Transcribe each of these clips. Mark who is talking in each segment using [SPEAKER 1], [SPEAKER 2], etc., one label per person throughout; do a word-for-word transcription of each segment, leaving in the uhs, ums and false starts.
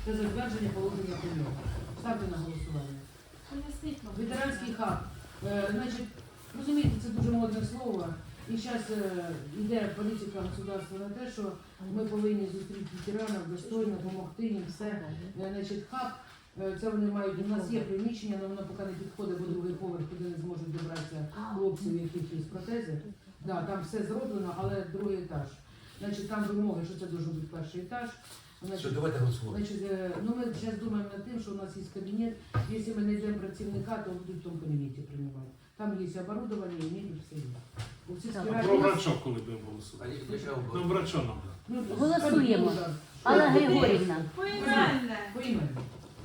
[SPEAKER 1] та затвердження положення про нього. Ставте на голосування. Ветеранський хаб. Е, значить, розумієте, це дуже модне слово. І зараз е, йде політика государства на те, що ми повинні зустріти ветеранів, достойно, допомогти їм все. Е, значить, хаб, е, це вони мають, у нас є приміщення, але воно поки не підходить, бо другий поверх, куди не зможуть добратися хлопців, яких є протези. Да, там все зроблено, але другий етаж. Значить, там вимоги, що це має бути перший етаж. Значить,
[SPEAKER 2] Що, давайте голосувати.
[SPEAKER 1] Значить, е, ну ми зараз думаємо над тим, що у нас є кабінет. Якщо ми знайдемо працівника, то будуть в тому кабінеті приймати. Там є оборудовання, і мебель, все є. У всіх
[SPEAKER 3] А
[SPEAKER 1] спіральних-
[SPEAKER 3] про врача, коли будемо
[SPEAKER 2] А
[SPEAKER 3] голосувати?
[SPEAKER 2] я- я чого
[SPEAKER 3] Ну,
[SPEAKER 2] говорю?
[SPEAKER 3] врача нам.
[SPEAKER 1] Ну,
[SPEAKER 4] Голосуємо.
[SPEAKER 1] да.
[SPEAKER 4] Алла Григорівна,
[SPEAKER 5] Поіменно.
[SPEAKER 1] Поіменно.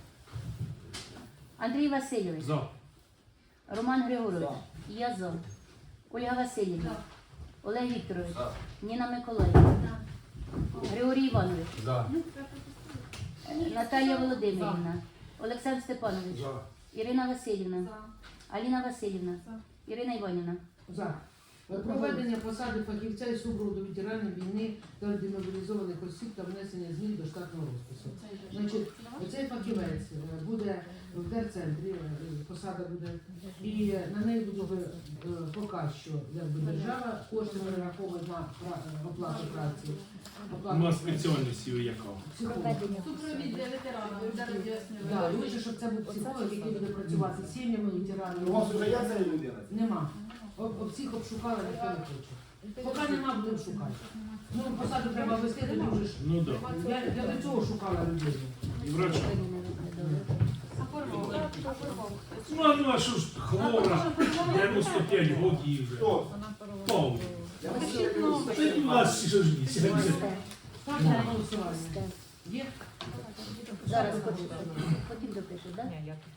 [SPEAKER 4] Андрій Васильович,
[SPEAKER 3] За.
[SPEAKER 4] Роман Григорович, я за. Ольга Васильівна, Олег Вікторович,
[SPEAKER 2] За.
[SPEAKER 4] Ніна Миколаївна, Григорій Іванович,
[SPEAKER 2] За.
[SPEAKER 4] Наталія Володимирівна, Олександр Степанович,
[SPEAKER 2] За.
[SPEAKER 4] Ірина Васильівна, Аліна Васильівна, Ірина Іванівна.
[SPEAKER 1] За. Проведення посади фахівця і супроводу ветеранів війни та демобілізованих осіб та внесення змін до штатного розпису. Значить, цей фахівець е, буде в терцентрі, е, посада буде, і на неї буде е, поки що якби, держава, кошти перераховують на пра- оплату праці.
[SPEAKER 3] У
[SPEAKER 1] Оплату
[SPEAKER 3] нас
[SPEAKER 1] праці.
[SPEAKER 3] спеціальність є яка?
[SPEAKER 1] Психолог.
[SPEAKER 5] Супровід для ветеранів. Зараз роз'яснюю.
[SPEAKER 1] Да, лучше, щоб це був психолог, який буде працювати з сім'ями ветеранів.
[SPEAKER 6] У вас вже є ця людина?
[SPEAKER 1] Нема. Об, об всіх обшукали, ніхто не хоче. Поки нема, будемо шукати. Ну, посаду треба вести, ти можеш.
[SPEAKER 3] Ну так. Да.
[SPEAKER 1] Я, я до цього шукала людей.
[SPEAKER 3] І врача.
[SPEAKER 5] Оформив.
[SPEAKER 3] Ну, а ну, а що ж хвора? дев'яносто п'ять років вже.
[SPEAKER 6] Хто?
[SPEAKER 3] Повні. Це у нас ще ж місяць.
[SPEAKER 1] Ставте на голосування. Є?
[SPEAKER 4] Зараз потім, потім допишеш, так?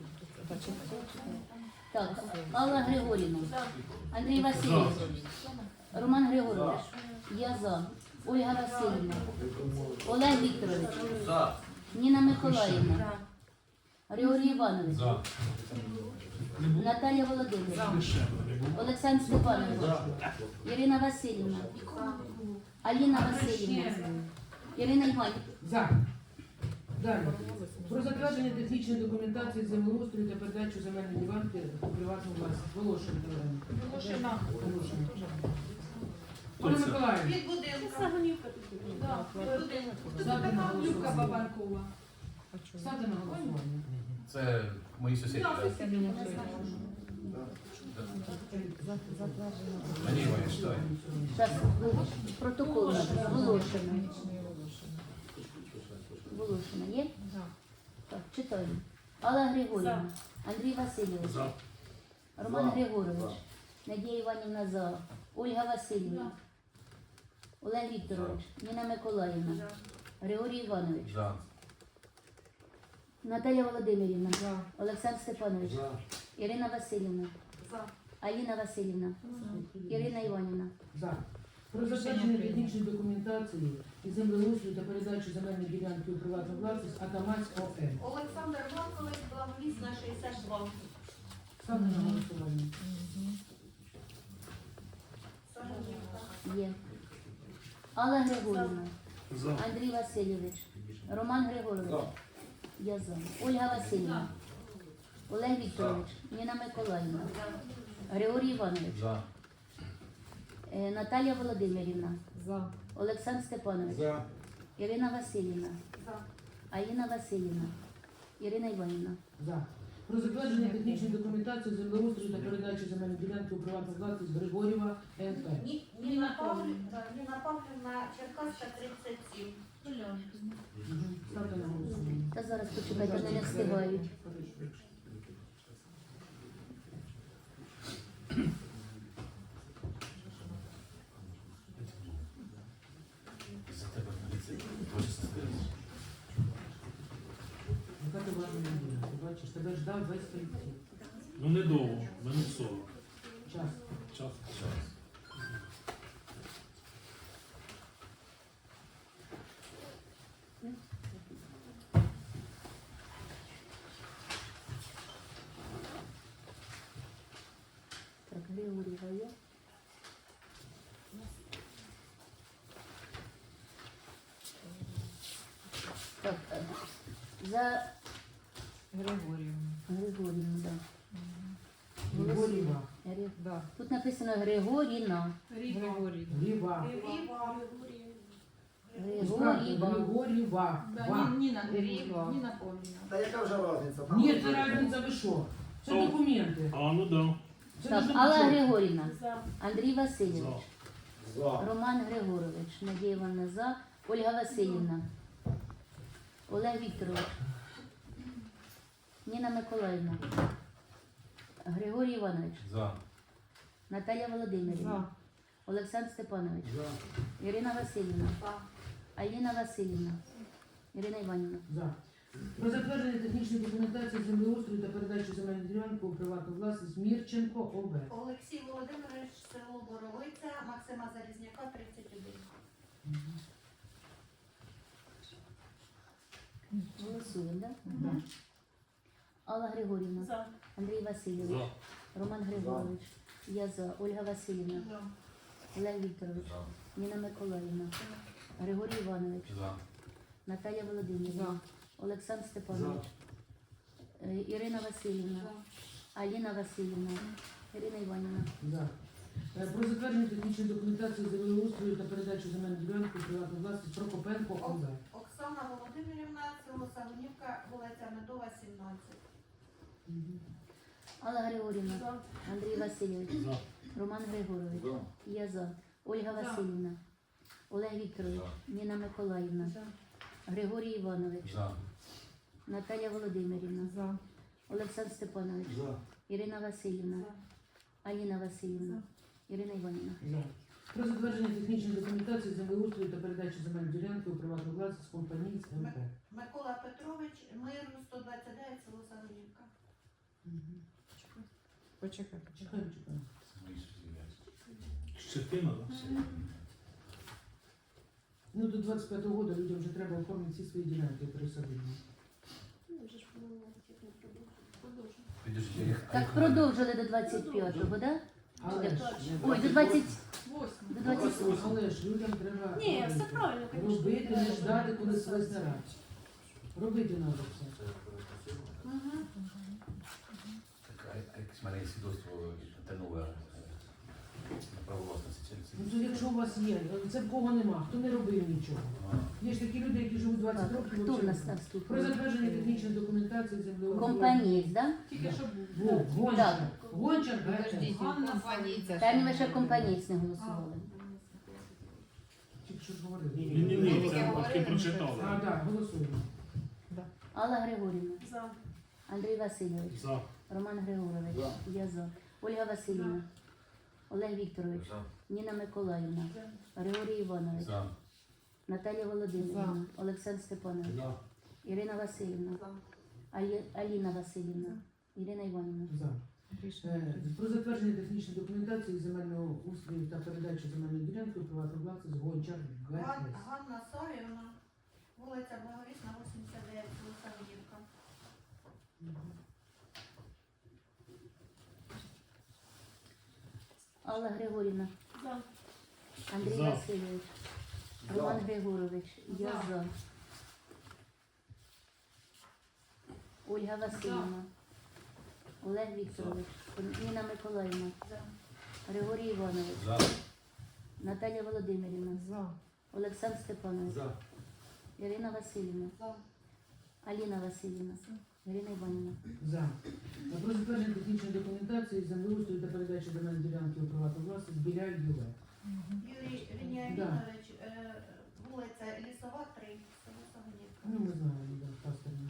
[SPEAKER 4] Так, Алла Григорівна, Андрій Васильович, Роман Григорович, я за. Ольга Васильівна, Олег Вікторович,
[SPEAKER 2] За.
[SPEAKER 4] Ніна Миколаївна, Григорій Іванович,
[SPEAKER 2] За.
[SPEAKER 4] Наталія Володимирівна,
[SPEAKER 3] Дешево не було.
[SPEAKER 4] Олександр Степанович, Ірина Васильівна, Аліна Васильівна, Ірина Іванівна.
[SPEAKER 1] За. Далі. Про затвердження технічної документації землеустрою та передачу земельної ділянки у приватну власність. Волошин Галина.
[SPEAKER 5] Волошина.
[SPEAKER 1] Волошин.
[SPEAKER 3] Хто
[SPEAKER 1] Олег
[SPEAKER 3] це?
[SPEAKER 1] Миколаївич.
[SPEAKER 5] Від будинку. Да, від будинку. Тут
[SPEAKER 1] Ставте на
[SPEAKER 5] така Любка
[SPEAKER 1] голосування.
[SPEAKER 5] Бабанкова.
[SPEAKER 1] Ставте на голосування.
[SPEAKER 2] Це мої сусіди,
[SPEAKER 5] Да,
[SPEAKER 2] так?
[SPEAKER 5] сусіди не знають.
[SPEAKER 2] Мені вони читають.
[SPEAKER 4] Зараз протокол надо. Волошина. Волошина є? Так, читаємо. Алла Григорівна, Андрій Васильович,
[SPEAKER 3] За.
[SPEAKER 4] Роман Григорович, Надія Іванівна за. Ольга Васильівна, Олег Вікторович, Ніна Миколаївна, Григорій Іванович,
[SPEAKER 2] За.
[SPEAKER 4] Наталія Володимирівна, Олександр Степанович,
[SPEAKER 2] За.
[SPEAKER 4] Ірина Васильівна,
[SPEAKER 5] За.
[SPEAKER 4] Аліна Васильівна, Ірина Іванівна.
[SPEAKER 1] За. Про затвердження технічної документації і землеустрою та передачу земельної ділянки у приватну власність Атамась ОМ.
[SPEAKER 7] Олександр Маркович, благовісна шістдесят два.
[SPEAKER 1] Ставте на голосування.
[SPEAKER 4] Є. Алла Григорівна,
[SPEAKER 3] За.
[SPEAKER 4] Андрій Васильович, Роман Григорович, я за. Ольга Васильівна, Олег Вікторович, Ніна Миколаївна, Григорій Іванович,
[SPEAKER 2] За.
[SPEAKER 4] е, Наталія Володимирівна,
[SPEAKER 5] За.
[SPEAKER 4] Олександр Степанович,
[SPEAKER 6] За.
[SPEAKER 4] Ірина Васильівна,
[SPEAKER 5] За.
[SPEAKER 4] Аліна Васильівна, Ірина Іванівна.
[SPEAKER 1] За. Про затвердження технічної документації землеустрою та передачу земельної ділянки у приватну власність Григорєва ен пе.
[SPEAKER 7] Ні- Ніна Павлівна, Ніна Павлівна, Черкаська, тридцять сім.
[SPEAKER 1] Мгм. Ставте на голосування.
[SPEAKER 4] Та зараз почекайте, вони не встигають.
[SPEAKER 2] За тебе поліція. Твої сестри.
[SPEAKER 1] Яка ти важна людина? Ти бачиш, тебе ждав весь поліцей.
[SPEAKER 3] Ну недовго, минут сорок.
[SPEAKER 1] Час.
[SPEAKER 3] Час.
[SPEAKER 2] Час.
[SPEAKER 4] Так, Григорєва є. Так, е, За
[SPEAKER 6] Григорівна.
[SPEAKER 4] Григорівну, да.
[SPEAKER 1] Григоріва.
[SPEAKER 4] Гри-
[SPEAKER 6] Да.
[SPEAKER 4] Тут написано Григоріна.
[SPEAKER 6] Григорівна.
[SPEAKER 1] Грива.
[SPEAKER 7] Ріва.
[SPEAKER 4] Григоріва.
[SPEAKER 1] Григоріва.
[SPEAKER 5] Да,
[SPEAKER 1] Ва.
[SPEAKER 5] Ні- Ніна
[SPEAKER 6] Ріва.
[SPEAKER 5] Григорівна. Ніна Павлівна.
[SPEAKER 8] Та яка вже різниця? Там
[SPEAKER 1] Ні, це разниця, ви що? Це
[SPEAKER 3] Ну.
[SPEAKER 1] документи.
[SPEAKER 3] А, ну да.
[SPEAKER 1] Це
[SPEAKER 4] Так,
[SPEAKER 1] дуже
[SPEAKER 4] Алла
[SPEAKER 1] чітко.
[SPEAKER 4] Григорівна,
[SPEAKER 5] За.
[SPEAKER 4] Андрій Васильович,
[SPEAKER 3] За.
[SPEAKER 8] За.
[SPEAKER 4] Роман Григорович, Надія Івановна за, Ольга Васильівна, Олег Вікторович, Ніна Миколаївна, Григорій Іванович,
[SPEAKER 2] За.
[SPEAKER 4] Наталя Володимирівна,
[SPEAKER 6] За.
[SPEAKER 4] Олександр Степанович,
[SPEAKER 8] За.
[SPEAKER 4] Ірина Васильівна,
[SPEAKER 7] За.
[SPEAKER 4] Аліна Васильівна, Ірина Іванівна.
[SPEAKER 1] За. Про затвердження технічної документації землеустрою та передачу земельної ділянки у приватну власність Мірченко ОВ.
[SPEAKER 7] Олексій Володимирович, село Боровиця, Максима Залізняка, тридцять один.
[SPEAKER 4] Голосуємо, так?
[SPEAKER 1] Да.
[SPEAKER 4] Алла Григорівна,
[SPEAKER 5] За.
[SPEAKER 4] Андрій Васильович,
[SPEAKER 3] За.
[SPEAKER 4] Роман Григорович, я за, Ольга Васильівна,
[SPEAKER 5] За.
[SPEAKER 4] Олег Вікторович,
[SPEAKER 2] За.
[SPEAKER 4] Ніна Миколаївна, Григорій Іванович,
[SPEAKER 2] За.
[SPEAKER 4] Наталія Володимирівна, Олександр Степанович, е, Ірина Васильівна, Аліна Васильівна, Ірина Іванівна.
[SPEAKER 1] За. Е, Про затвердження технічної документації землеустрою та передачу земельної ділянки у приватну власність Прокопенко ОВ.
[SPEAKER 7] Оксана Володимирівна, село Сагунівка, вулиця Медова, сімнадцять.
[SPEAKER 4] Алла Григорівна,
[SPEAKER 5] За.
[SPEAKER 4] Андрій Васильович,
[SPEAKER 3] За.
[SPEAKER 4] Роман Григорович,
[SPEAKER 8] За.
[SPEAKER 4] я за, Ольга
[SPEAKER 5] За.
[SPEAKER 4] Васильівна, Олег Вікторович, Ніна Миколаївна,
[SPEAKER 5] За.
[SPEAKER 4] Григорій Іванович,
[SPEAKER 2] За.
[SPEAKER 4] Наталя Володимирівна,
[SPEAKER 6] За.
[SPEAKER 4] Олександр Степанович,
[SPEAKER 8] За.
[SPEAKER 4] Ірина Васильівна, Аліна Васильівна, Ірина Іванівна.
[SPEAKER 1] За. Про затвердження технічної документації землеустрою та передачу земельної ділянки у приватну власність компанії з МП.
[SPEAKER 7] Микола Петрович, Миру, сто двадцять дев'ять, село Сагунівка.
[SPEAKER 6] Почекай, почекай.
[SPEAKER 1] Чекаємо, чекаємо.
[SPEAKER 2] Це мої сусіди.
[SPEAKER 3] Щетина, да?
[SPEAKER 1] Ну, до двадцять п'ятого року людям вже треба оформити всі свої ділянки пересадити.
[SPEAKER 2] Підожди, я їх-
[SPEAKER 4] Так продовжили до двадцять п'ятого, так?
[SPEAKER 1] Але ж,
[SPEAKER 4] Ой, до двадцять,
[SPEAKER 5] Восьма.
[SPEAKER 4] до двадцять восьмого.
[SPEAKER 1] але ж людям треба
[SPEAKER 5] Ні,
[SPEAKER 1] робити.
[SPEAKER 5] все правильно, звісно.
[SPEAKER 1] Робити, не ждати, коли свесть не раз. Робити треба все.
[SPEAKER 2] Так, а- а якесь в мене є свідоцтво те нове е, на право власності. Це- це-
[SPEAKER 1] Ну, то якщо у вас є, це в кого нема, хто не робив нічого.
[SPEAKER 2] А,
[SPEAKER 1] Є ж такі люди, які живуть двадцять
[SPEAKER 4] Так,
[SPEAKER 1] років.
[SPEAKER 4] хто в
[SPEAKER 1] взагалі.
[SPEAKER 4] нас там
[SPEAKER 1] Про
[SPEAKER 4] скільки?
[SPEAKER 1] затвердження технічної документації землеустрою.
[SPEAKER 4] Компанієць, так?
[SPEAKER 5] Тільки щоб
[SPEAKER 1] Во, Гончар. Гончар,
[SPEAKER 6] Подождіть,
[SPEAKER 5] Ганна
[SPEAKER 6] компанія.
[SPEAKER 4] Там ми ще компанієць не голосували.
[SPEAKER 1] Тільки що ж говорили.
[SPEAKER 3] Ні, ні, ні, це батьки прочитали.
[SPEAKER 1] А, так, голосуємо.
[SPEAKER 4] Алла Григорівна,
[SPEAKER 5] За.
[SPEAKER 4] Андрій Васильович,
[SPEAKER 3] За.
[SPEAKER 4] Роман Григорович,
[SPEAKER 8] За.
[SPEAKER 4] я за, Ольга Васильівна, Олег Вікторович, Ніна Миколаївна, Григорій Іванович,
[SPEAKER 2] За.
[SPEAKER 4] Наталія Володимирівна, Олександр Степанович,
[SPEAKER 8] За.
[SPEAKER 4] Ірина Васильівна, Алі- Аліна Васильівна, Ірина Іванівна.
[SPEAKER 1] За.
[SPEAKER 6] Рішення
[SPEAKER 1] Е,
[SPEAKER 6] прийнято.
[SPEAKER 1] Про затвердження технічної документації земельного устрою та передачу земельної ділянки у приватну власність Гончар
[SPEAKER 7] Ган-
[SPEAKER 1] ГЕС.
[SPEAKER 7] Ганна Савівна, вулиця Благовісна, вісімдесят дев'ять, село Сагунівка.
[SPEAKER 4] Алла Григорівна,
[SPEAKER 5] За.
[SPEAKER 4] Андрій
[SPEAKER 3] За.
[SPEAKER 4] Васильович, Роман Григорович, я
[SPEAKER 5] За.
[SPEAKER 4] за. Ольга Васильівна, Олег Вікторович, Ніна Миколаївна,
[SPEAKER 7] За.
[SPEAKER 4] Григорій Іванович,
[SPEAKER 2] За.
[SPEAKER 4] Наталія Володимирівна,
[SPEAKER 6] За.
[SPEAKER 4] Олександр Степанович,
[SPEAKER 8] За.
[SPEAKER 4] Ірина Васильівна,
[SPEAKER 7] За.
[SPEAKER 4] Аліна Васильівна, Ірина Іванівна.
[SPEAKER 1] За. Е, Про затвердження технічної документації землеустрою та передачу земельної ділянки у приватну власність біля ЮВ.
[SPEAKER 7] Юрій Веніамінович, е, вулиця Лісова, три, село Сагунівка.
[SPEAKER 1] Ну, ми знаємо, да, пастор наш.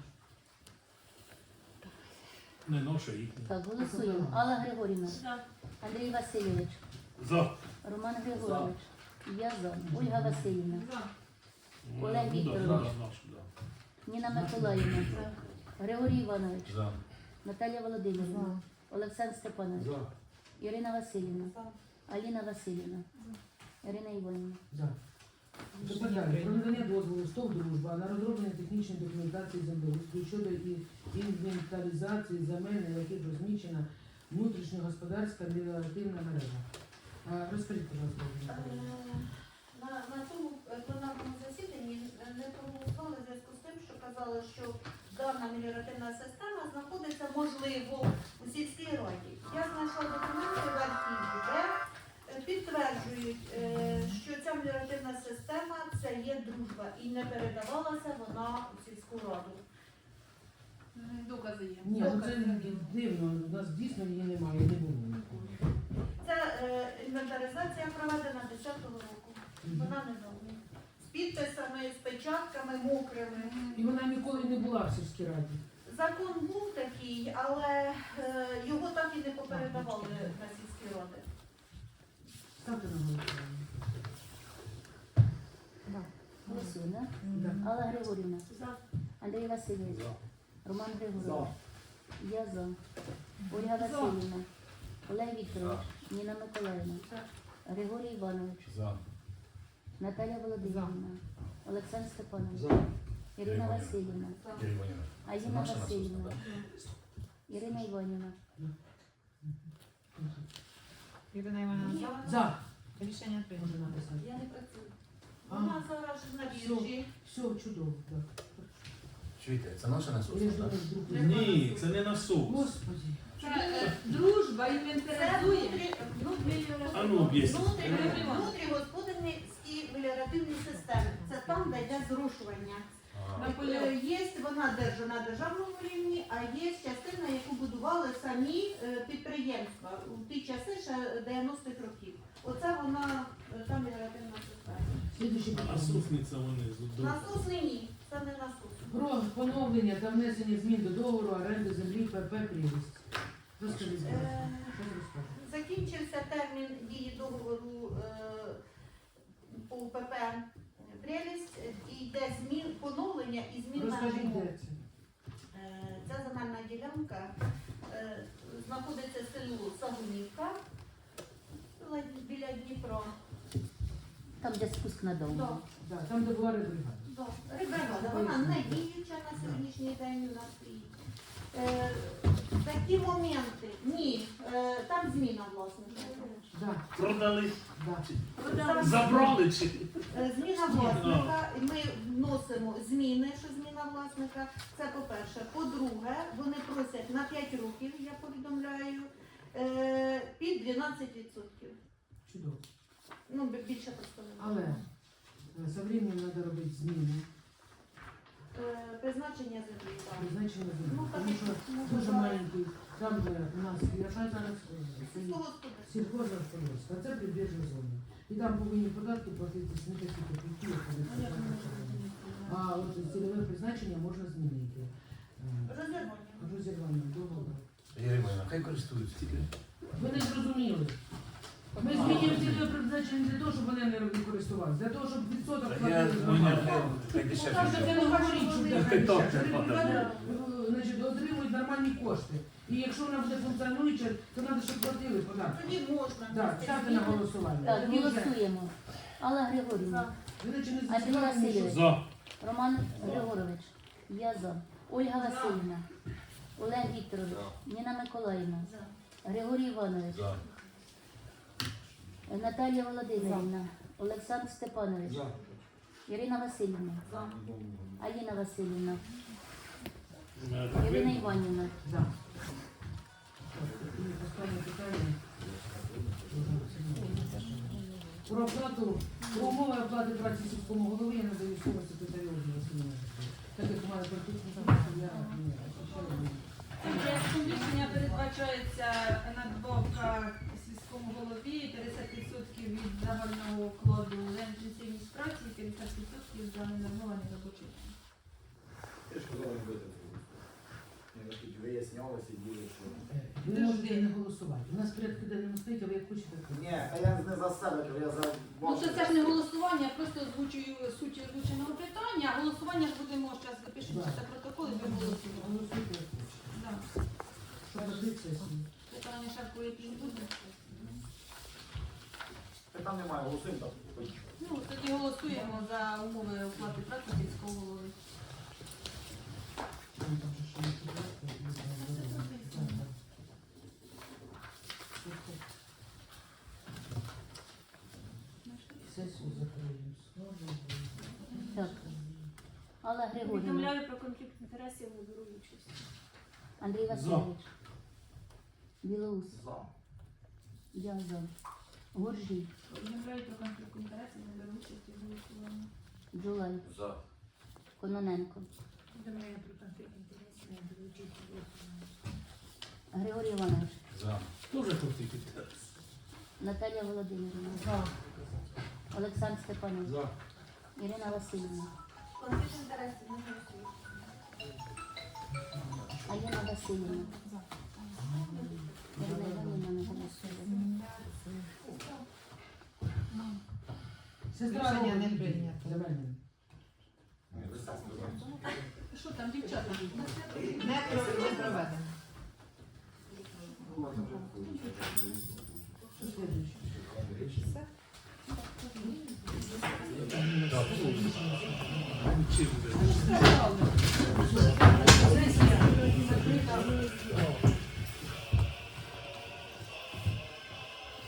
[SPEAKER 3] Не ноша їхня.
[SPEAKER 4] Так, голосуємо. Алла Григорівна,
[SPEAKER 5] За.
[SPEAKER 4] Андрій Васильович,
[SPEAKER 3] За.
[SPEAKER 4] Роман Григорович, я за, Ольга Васильівна,
[SPEAKER 5] За.
[SPEAKER 4] Олег
[SPEAKER 3] Ну, да,
[SPEAKER 4] Вікторович.
[SPEAKER 3] да, наш, да.
[SPEAKER 4] Ніна Миколаївна, Григорій Іванович,
[SPEAKER 2] За.
[SPEAKER 4] Наталія Володимирівна, Олександр Степанович,
[SPEAKER 8] За.
[SPEAKER 4] Ірина Васильівна,
[SPEAKER 7] За.
[SPEAKER 4] Аліна Васильівна, Ірина Іванівна.
[SPEAKER 1] За. Тепер далі. Про надання дозволу «Стов Дружба» на розроблення технічної документації землеустрою щодо і- інвентаризації земель, на яких розміщена внутрішньогосподарська меліоративна мережа. А, Розкажіть, будь ласка.
[SPEAKER 7] Е, На, на тому е, пленарному засіданні е, не проголосували в зв'язку з тим, що казали, що дана меліоративна система знаходиться, можливо, у сільській раді. Я знайшла документи в архіві, де е, підтверджують, е, що ця меліоративна система це є дружба і не передавалася вона у сільську раду.
[SPEAKER 5] М, Докази є.
[SPEAKER 1] Ні, ну це
[SPEAKER 5] Докази.
[SPEAKER 1] дивно, у нас дійсно її немає, не було ніколи.
[SPEAKER 7] Це е, інвентаризація проведена десятого року. Вона не нова. З підписами, з печатками мокрими.
[SPEAKER 1] І вона ніколи не була в сільській раді.
[SPEAKER 7] Закон був такий, але е, його так і не попередавали на сільські ради.
[SPEAKER 1] Ставте на голосування.
[SPEAKER 4] Голосуємо,
[SPEAKER 1] Да.
[SPEAKER 4] да? Алла Григорівна,
[SPEAKER 7] За.
[SPEAKER 4] Андрій Васильович,
[SPEAKER 8] За.
[SPEAKER 4] Роман
[SPEAKER 8] За.
[SPEAKER 4] Григорович, я за. Ольга Васильівна, Олег Вікторович, Ніна Миколаївна, Григорій Іванович,
[SPEAKER 2] За.
[SPEAKER 4] Наталя Володимирівна, Олександр Степанович,
[SPEAKER 8] За.
[SPEAKER 4] Ірина
[SPEAKER 2] Ірина.
[SPEAKER 4] Васильівна,
[SPEAKER 2] Юрій Іванівна. Це
[SPEAKER 4] Аїна
[SPEAKER 2] наша
[SPEAKER 4] Васильівна,
[SPEAKER 2] насосна, так?
[SPEAKER 4] Ірина Іванівна,
[SPEAKER 6] Ірина Івановна, за.
[SPEAKER 1] За.
[SPEAKER 6] Рішення прийнято.
[SPEAKER 1] Можна написати.
[SPEAKER 7] Я не працюю.
[SPEAKER 1] А.
[SPEAKER 7] Вона зараз на біржі.
[SPEAKER 1] Все чудово, так.
[SPEAKER 2] Чуєте, це наша
[SPEAKER 1] Я
[SPEAKER 2] насосна,
[SPEAKER 1] ж
[SPEAKER 2] так?
[SPEAKER 1] думаю, вдруг не-
[SPEAKER 3] Ні, це не насос.
[SPEAKER 1] Господи.
[SPEAKER 5] Це е, дружба
[SPEAKER 7] Це
[SPEAKER 5] інвентаризує.
[SPEAKER 7] внутрі, внутрі,
[SPEAKER 3] А ну, об'ясніть.
[SPEAKER 7] внутрі, внутрігосподарські меліоративні системи. Це там, де йде зрушування.
[SPEAKER 2] А,
[SPEAKER 7] Е, Є вона держа на державному рівні, а є частина, яку будували самі е, підприємства у ті часи ще дев'яностих років. Оце вона е, та меліоративна система.
[SPEAKER 1] Слідуюче
[SPEAKER 3] А
[SPEAKER 1] питання.
[SPEAKER 3] насосниця вони з
[SPEAKER 7] Насосний ні, це не насос.
[SPEAKER 1] Про поновлення та внесення змін до договору оренди землі ПП «Прілість». Розкажіть, будь ласка.
[SPEAKER 7] Е,
[SPEAKER 1] Що ви розкажете?
[SPEAKER 7] Закінчився термін дії договору е, по ПП «Прелість» і йде змін, поновлення і зміна
[SPEAKER 1] Розкажіть,
[SPEAKER 7] умов.
[SPEAKER 1] де це?
[SPEAKER 7] Е, Ця земельна ділянка е, знаходиться в селу Сагунівка ледь біля Дніпра.
[SPEAKER 4] там де спуск на дому.
[SPEAKER 7] Да,
[SPEAKER 1] Да, там, де була ребригада.
[SPEAKER 7] да. Рибригада, вона не діюча на сьогоднішній день у нас стоїть. Е, Такі моменти. Ні, е, там зміна власника.
[SPEAKER 1] Да,
[SPEAKER 3] Продали,
[SPEAKER 1] да.
[SPEAKER 3] забрали чи?
[SPEAKER 7] Е, Зміна власника, і ми вносимо зміни, що зміна власника. Це по-перше. По-друге, вони просять на п'ять років, я повідомляю, е, під дванадцять відсотків.
[SPEAKER 1] Чудово.
[SPEAKER 7] Ну, бі- більше просто не
[SPEAKER 1] Але е, со временем треба робити зміни,
[SPEAKER 7] Е, Призначення землі, так.
[SPEAKER 1] призначення землі.
[SPEAKER 7] Ну, так,
[SPEAKER 1] Тому що
[SPEAKER 7] ну,
[SPEAKER 1] дуже
[SPEAKER 7] так.
[SPEAKER 1] маленький, там, де у нас, яка зараз е, стоїть
[SPEAKER 7] Сільськогосподарське.
[SPEAKER 1] сільхозгосподарство, а це прибіжна зона. І там повинні податки платитися не такі копійки, як коли це призначення. А от цільове призначення можна змінити. Е,
[SPEAKER 7] Розірвання.
[SPEAKER 1] Розірвання договору.
[SPEAKER 2] Юрій Іванівна, хай користуються.
[SPEAKER 1] Ви не зрозуміли. Ми змінюємо цільове призначення не для того, щоб вони не користувалися, для того, щоб відсоток
[SPEAKER 2] Я,
[SPEAKER 1] платили з
[SPEAKER 2] ну, я,
[SPEAKER 1] громади.
[SPEAKER 2] хай
[SPEAKER 1] Ну,
[SPEAKER 2] дешевше.
[SPEAKER 1] так, це не говоріть, що
[SPEAKER 2] Так,
[SPEAKER 1] це
[SPEAKER 2] так,
[SPEAKER 1] дешевше.
[SPEAKER 2] так, так.
[SPEAKER 1] Ребята, е, значить, отримують нормальні кошти. І якщо вона буде функціонуюча, то треба, щоб платили податки.
[SPEAKER 7] Тоді можна.
[SPEAKER 1] Так,
[SPEAKER 7] внести
[SPEAKER 1] ставте на
[SPEAKER 7] зміни.
[SPEAKER 1] голосування.
[SPEAKER 4] Так,
[SPEAKER 1] Тоді вже.
[SPEAKER 4] голосуємо. Алла Григорівна,
[SPEAKER 1] Ви наче не
[SPEAKER 4] Андрій
[SPEAKER 1] зацікавлені, що-
[SPEAKER 4] Васильович,
[SPEAKER 3] За.
[SPEAKER 4] Роман Григорович, я за. Ольга Васильівна, Олег Вікторович, Ніна Миколаївна,
[SPEAKER 7] За.
[SPEAKER 4] Григорій Іванович,
[SPEAKER 2] За.
[SPEAKER 4] Наталія Володимирівна, Олександр Степанович,
[SPEAKER 8] За.
[SPEAKER 4] Ірина Васильівна,
[SPEAKER 7] За.
[SPEAKER 4] Аїна Васильівна,
[SPEAKER 3] Е,
[SPEAKER 4] Ірина Іванівна.
[SPEAKER 1] За. Так, і останнє питання. Про оплату, про умови оплати праці сільському голові я надаю слово секретарю Васильівні. Так як у мене практично я не освіщаю.
[SPEAKER 5] Проектом рішення передбачається надбавка сільському голові п'ятдесят відсотків від загального вкладу в інтенсивність праці і п'ятдесят відсотків за ненормований робочий день.
[SPEAKER 8] Я ж казав, не бити. Я тут виясняли, сиділи, що...
[SPEAKER 1] Ви можете не голосувати. У нас порядки денному стоїть, а ви як хочете. так.
[SPEAKER 8] Ні, а я не за себе, кажу, я за
[SPEAKER 5] Ну це, це ж не голосування, я просто озвучую суть озвученого питання, а голосування ж будемо зараз запишемо
[SPEAKER 1] Да.
[SPEAKER 5] це протокол і ми голосуємо.
[SPEAKER 1] Голосуйте, як хочете.
[SPEAKER 5] Да.
[SPEAKER 1] Щоб робити сесію.
[SPEAKER 5] Питання шарку якісь буде.
[SPEAKER 8] Питань немає, голосуємо там. поїхали.
[SPEAKER 5] Ну, тоді голосуємо за умови оплати праці сільського голови.
[SPEAKER 1] Там там же ще є порядки, я знаю, да, да, да. Сесію закриємо. Слава Богу.
[SPEAKER 4] Так. Алла Алла Григорівна,
[SPEAKER 9] Повідомляю про конфлікт інтересів, не беру участь.
[SPEAKER 4] Андрій Васильович, Білоус, я за. Гуржій,
[SPEAKER 5] Повідомляю про конфлікт інтересів, не беру участь у голосуванні.
[SPEAKER 4] Джулай,
[SPEAKER 2] За.
[SPEAKER 4] Кононенко,
[SPEAKER 9] Повідомляю про конфлікт інтересів, не беру участь у голосуванні.
[SPEAKER 4] Григорій Іванович,
[SPEAKER 2] За.
[SPEAKER 3] Дуже конфлікт інтересів.
[SPEAKER 4] Наталія Володимирівна,
[SPEAKER 1] За.
[SPEAKER 4] Олександр Степанович,
[SPEAKER 8] За.
[SPEAKER 4] Ірина Васильівна,
[SPEAKER 7] Конфлікт інтересів не голосують.
[SPEAKER 4] Аліна Васильівна, Ірина Іванівна не голосує.
[SPEAKER 1] Сестра
[SPEAKER 6] Рішення не
[SPEAKER 1] Романа,
[SPEAKER 6] прийнято.
[SPEAKER 1] Зеленін.
[SPEAKER 5] Що там, дівчата?
[SPEAKER 6] Не про- не проведено.
[SPEAKER 1] Що слідуюче?
[SPEAKER 3] Чим ви?